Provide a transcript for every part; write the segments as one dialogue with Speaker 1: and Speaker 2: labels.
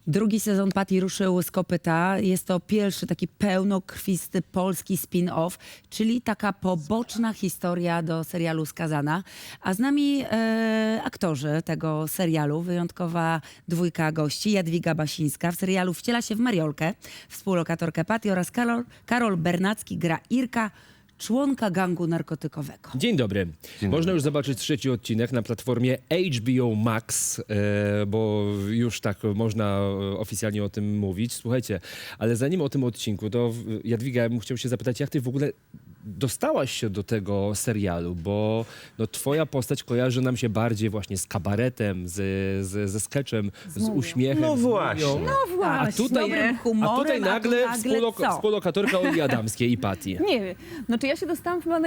Speaker 1: Drugi sezon Patty ruszył z kopyta. Jest to pierwszy taki pełnokrwisty polski spin-off, czyli taka poboczna historia do serialu Skazana. A z nami aktorzy tego serialu, wyjątkowa dwójka gości. Jadwiga Basińska w serialu wciela się w Mariolkę, współlokatorkę Patty, oraz Karol Bernacki gra Irka, członka gangu narkotykowego.
Speaker 2: Dzień dobry. Można już zobaczyć trzeci odcinek na platformie HBO Max, bo już tak można oficjalnie o tym mówić. Słuchajcie, ale zanim o tym odcinku, to Jadwiga, ja bym chciał się zapytać, jak ty w ogóle dostałaś się do tego serialu, bo no, twoja postać kojarzy nam się bardziej właśnie z kabaretem, ze sketchem, z uśmiechem.
Speaker 3: No
Speaker 2: z
Speaker 3: właśnie.
Speaker 2: mumią.
Speaker 1: No właśnie, dobrym
Speaker 2: A
Speaker 1: humorem,
Speaker 2: tutaj nagle
Speaker 1: co?
Speaker 2: współlokatorka Oli Adamskiej i Patty.
Speaker 4: Nie wiem. Znaczy ja się dostałam chyba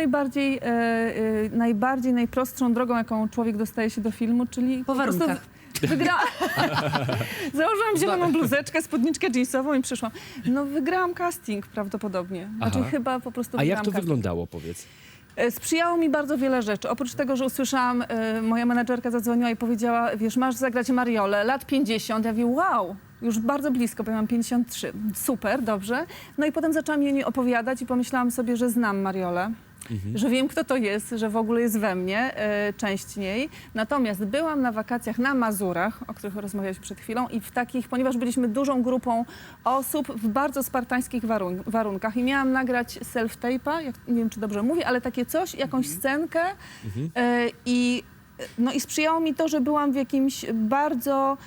Speaker 4: najbardziej najprostszą drogą, jaką człowiek dostaje się do filmu, czyli
Speaker 1: Po warunkach.
Speaker 4: Założyłam zieloną bluzeczkę, spódniczkę jeansową i przyszłam. No wygrałam casting prawdopodobnie. Znaczy
Speaker 2: Aha.
Speaker 4: chyba po prostu
Speaker 2: A jak
Speaker 4: wygrałam
Speaker 2: to
Speaker 4: casting.
Speaker 2: wyglądało, powiedz?
Speaker 4: Sprzyjało mi bardzo wiele rzeczy. Oprócz tego, że usłyszałam, moja menadżerka zadzwoniła i powiedziała, wiesz, masz zagrać Mariolę, lat 50. Ja mówię, wow, już bardzo blisko, bo ja mam 53. Super, dobrze. No i potem zaczęłam jej opowiadać i pomyślałam sobie, że znam Mariolę. Że wiem, kto to jest, że w ogóle jest we mnie, część niej. Natomiast byłam na wakacjach na Mazurach, o których rozmawialiśmy przed chwilą, i w takich, ponieważ byliśmy dużą grupą osób w bardzo spartańskich warunkach i miałam nagrać self-tape'a, nie wiem, czy dobrze mówię, ale takie coś, jakąś scenkę i sprzyjało mi to, że byłam w jakimś bardzo,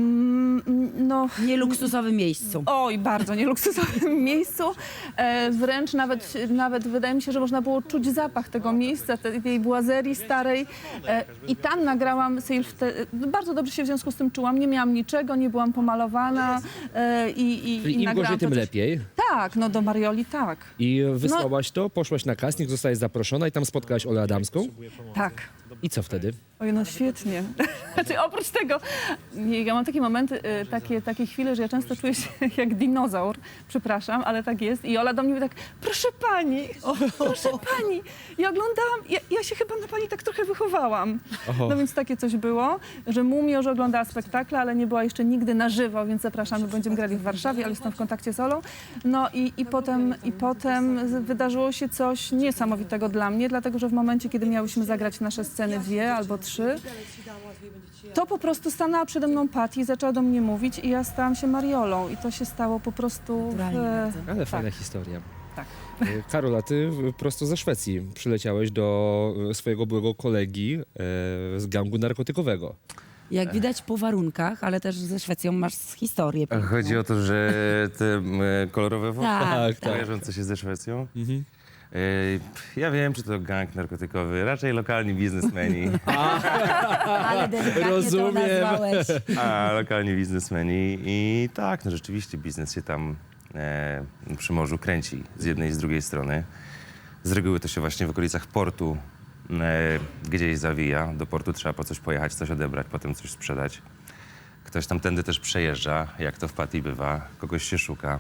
Speaker 1: Nieluksusowym miejscu.
Speaker 4: Oj, bardzo nieluksusowym miejscu. Wręcz nawet wydaje mi się, że można było czuć zapach tego miejsca, tej błazerii starej. I tam nagrałam bardzo dobrze się w związku z tym czułam. Nie miałam niczego, nie byłam pomalowana.
Speaker 2: Czyli im
Speaker 4: nagrałam
Speaker 2: gorzej, tym
Speaker 4: to coś-
Speaker 2: lepiej.
Speaker 4: Tak, no do Marioli tak.
Speaker 2: I wysłałaś to, poszłaś na casting, zostałaś zaproszona i tam spotkałaś Olę Adamską.
Speaker 4: Tak.
Speaker 2: I co wtedy?
Speaker 4: Oj, no świetnie. Znaczy, oprócz tego, ja mam takie momenty, takie chwile, że ja często czuję się jak dinozaur, przepraszam, ale tak jest. I Ola do mnie mówi tak, proszę pani, proszę pani. Ja oglądałam, ja się chyba na pani tak trochę wychowałam.
Speaker 2: Oho.
Speaker 4: No więc takie coś było, że Mumia już oglądała spektakle, ale nie była jeszcze nigdy na żywo, więc zapraszamy, będziemy grali w Warszawie, ale jestem w kontakcie z Olą. No i potem wydarzyło się coś niesamowitego dla mnie, dlatego że w momencie, kiedy miałyśmy zagrać nasze sceny 2 albo 3, to po prostu stanęła przede mną Patty i zaczęła do mnie mówić i ja stałam się Mariolą i to się stało po prostu...
Speaker 2: Ale fajna historia.
Speaker 4: Tak.
Speaker 2: Karola, ty prosto ze Szwecji przyleciałeś do swojego byłego kolegi z gangu narkotykowego.
Speaker 1: Jak widać po warunkach, ale też ze Szwecją masz historię. piękną.
Speaker 3: Chodzi o to, że te kolorowe włosy
Speaker 1: Tak, tak.
Speaker 3: kojarzące się ze Szwecją. Ja wiem, czy to gang narkotykowy, raczej lokalni biznesmeni.
Speaker 1: Ale delikatnie
Speaker 2: Rozumiem.
Speaker 1: to nazwałeś.
Speaker 3: Lokalni biznesmeni i tak, no rzeczywiście biznes się tam przy morzu kręci z jednej i z drugiej strony. Z reguły to się właśnie w okolicach portu gdzieś zawija. Do portu trzeba po coś pojechać, coś odebrać, potem coś sprzedać. Ktoś tamtędy też przejeżdża, jak to w Patty bywa, kogoś się szuka.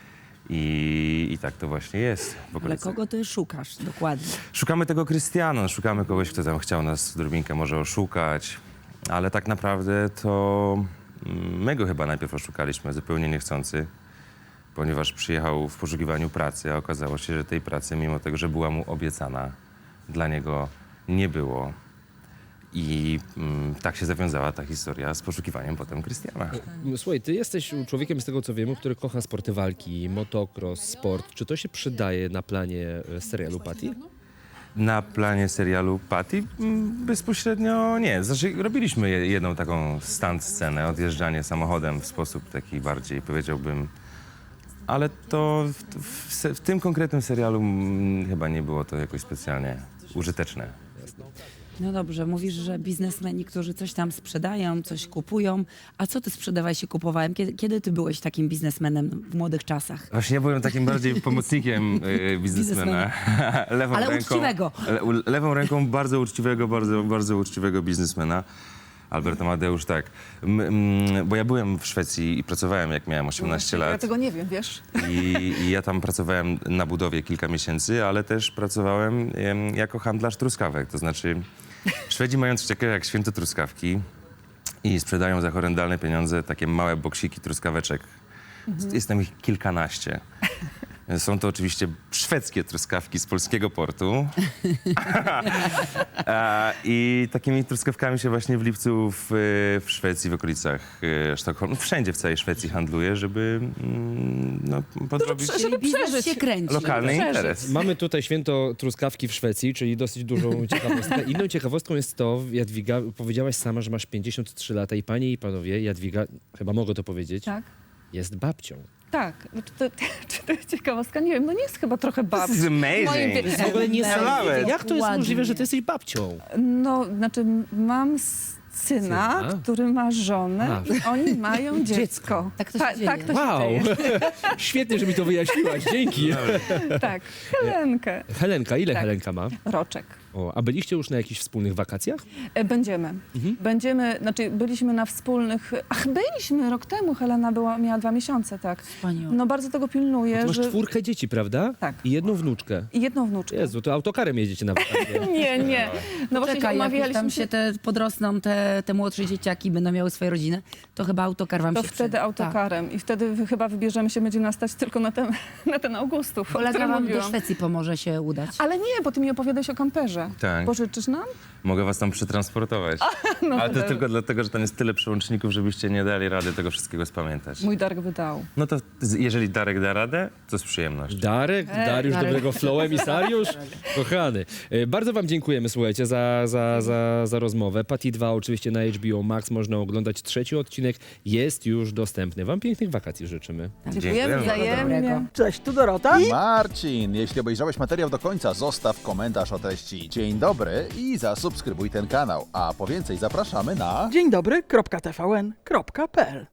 Speaker 3: I tak to właśnie jest w
Speaker 1: Ale
Speaker 3: okolicach.
Speaker 1: kogo ty szukasz dokładnie?
Speaker 3: Szukamy tego Krystiana, szukamy kogoś, kto tam chciał nas drobinkę może oszukać, ale tak naprawdę to my go chyba najpierw oszukaliśmy, zupełnie niechcący, ponieważ przyjechał w poszukiwaniu pracy, a okazało się, że tej pracy, mimo tego, że była mu obiecana, dla niego nie było. I tak się zawiązała ta historia z poszukiwaniem potem Krystiana.
Speaker 2: Słuchaj, ty jesteś człowiekiem, z tego co wiemy, który kocha sporty walki, motocross, sport. Czy to się przydaje na planie serialu Patty?
Speaker 3: Na planie serialu Patty bezpośrednio nie. Znaczy, robiliśmy jedną taką stunt scenę, odjeżdżanie samochodem w sposób taki bardziej, powiedziałbym, ale to w tym konkretnym serialu chyba nie było to jakoś specjalnie użyteczne.
Speaker 1: No dobrze, mówisz, że biznesmeni, którzy coś tam sprzedają, coś kupują. A co ty sprzedawałeś i kupowałem? Kiedy ty byłeś takim biznesmenem w młodych czasach?
Speaker 3: Właśnie ja byłem takim bardziej pomocnikiem biznesmena. Lewą
Speaker 1: Ale
Speaker 3: ręką,
Speaker 1: uczciwego.
Speaker 3: Lewą ręką bardzo uczciwego biznesmena. Albert Amadeusz, tak. Bo ja byłem w Szwecji i pracowałem, jak miałem 18
Speaker 4: Ja
Speaker 3: lat.
Speaker 4: tego nie wiem, wiesz.
Speaker 3: I ja tam pracowałem na budowie kilka miesięcy, ale też pracowałem jako handlarz truskawek. To znaczy, Szwedzi mają coś takiego jak święto truskawki i sprzedają za horrendalne pieniądze takie małe boksiki truskaweczek. Jest tam ich kilkanaście. Są to oczywiście szwedzkie truskawki z polskiego portu. I takimi truskawkami się właśnie w lipcu w Szwecji, w okolicach Sztokholmu, wszędzie w całej Szwecji handluje, żeby podrobić
Speaker 4: żeby
Speaker 1: Biznes
Speaker 4: przeżyć.
Speaker 1: się kręci.
Speaker 3: lokalny interes.
Speaker 2: Mamy tutaj święto truskawki w Szwecji, czyli dosyć dużą ciekawostkę. Inną ciekawostką jest to, Jadwiga, powiedziałaś sama, że masz 53 lata i panie i panowie, Jadwiga, chyba mogę to powiedzieć,
Speaker 4: Tak.
Speaker 2: jest babcią.
Speaker 4: Tak. Czy to jest ciekawostka? Nie wiem, no nie jest chyba trochę babci.
Speaker 3: This is amazing.
Speaker 4: Moim
Speaker 2: To jest w ogóle niesamowite. Jak to jest
Speaker 1: Ładnie.
Speaker 2: możliwe, że ty jesteś babcią?
Speaker 4: No, znaczy mam syna,
Speaker 2: Syna?
Speaker 4: który ma żonę
Speaker 2: A.
Speaker 4: i oni mają dziecko.
Speaker 1: Tak to się dzieje.
Speaker 4: Tak to
Speaker 2: Wow!
Speaker 4: się dzieje.
Speaker 2: Świetnie, że mi to wyjaśniłaś. Dzięki.
Speaker 4: Tak. Helenkę.
Speaker 2: Helenka, ile
Speaker 4: Tak.
Speaker 2: Helenka ma?
Speaker 4: Roczek.
Speaker 2: O, a byliście już na jakichś wspólnych wakacjach?
Speaker 4: Będziemy. Będziemy, znaczy byliśmy na wspólnych... byliśmy rok temu. Helena miała 2 miesiące, tak.
Speaker 1: Wspaniale.
Speaker 4: No bardzo tego pilnuję,
Speaker 2: Ty masz
Speaker 4: że...
Speaker 2: 4 dzieci, prawda?
Speaker 4: Tak.
Speaker 2: I jedną wnuczkę.
Speaker 4: I jedną wnuczkę.
Speaker 2: Jezu, to autokarem jedziecie na wakacje.
Speaker 4: Nie. No właśnie
Speaker 1: Czekaj, jak już
Speaker 4: umawialiśmy
Speaker 1: tam się te podrosną, te młodsze dzieciaki będą miały swoje rodziny, to chyba autokar wam
Speaker 4: To
Speaker 1: się
Speaker 4: wtedy
Speaker 1: przyda.
Speaker 4: autokarem. I wtedy chyba wybierzemy się, będzie nas stać tylko na ten Augustów, o
Speaker 1: Kolega
Speaker 4: którym
Speaker 1: wam do
Speaker 4: mówiłam.
Speaker 1: Szwecji pomoże się udać.
Speaker 4: Ale nie, bo ty mi opowiadałeś o kamperze.
Speaker 3: Tak.
Speaker 4: Pożyczysz nam?
Speaker 3: Mogę was tam przetransportować.
Speaker 4: No
Speaker 3: Ale to
Speaker 4: dobra.
Speaker 3: tylko dlatego, że tam jest tyle przełączników, żebyście nie dali rady tego wszystkiego spamiętać.
Speaker 4: Mój Darek by dał.
Speaker 3: No to jeżeli Darek da radę, to z przyjemnością.
Speaker 2: Dariusz
Speaker 1: Darek.
Speaker 2: dobrego flow, emisariusz. Kochany. Bardzo wam dziękujemy, słuchajcie, za rozmowę. Patty 2 oczywiście na HBO Max można oglądać. 3 odcinek jest już dostępny. Wam pięknych wakacji życzymy.
Speaker 4: Dziękujemy wzajemnie.
Speaker 1: Dobrego.
Speaker 5: Cześć, tu Dorota.
Speaker 6: Marcin, jeśli obejrzałeś materiał do końca, zostaw komentarz o treści dzień dobry i zasubskrybuj ten kanał. A po więcej zapraszamy na...
Speaker 5: Dzień dobry, .tvn.pl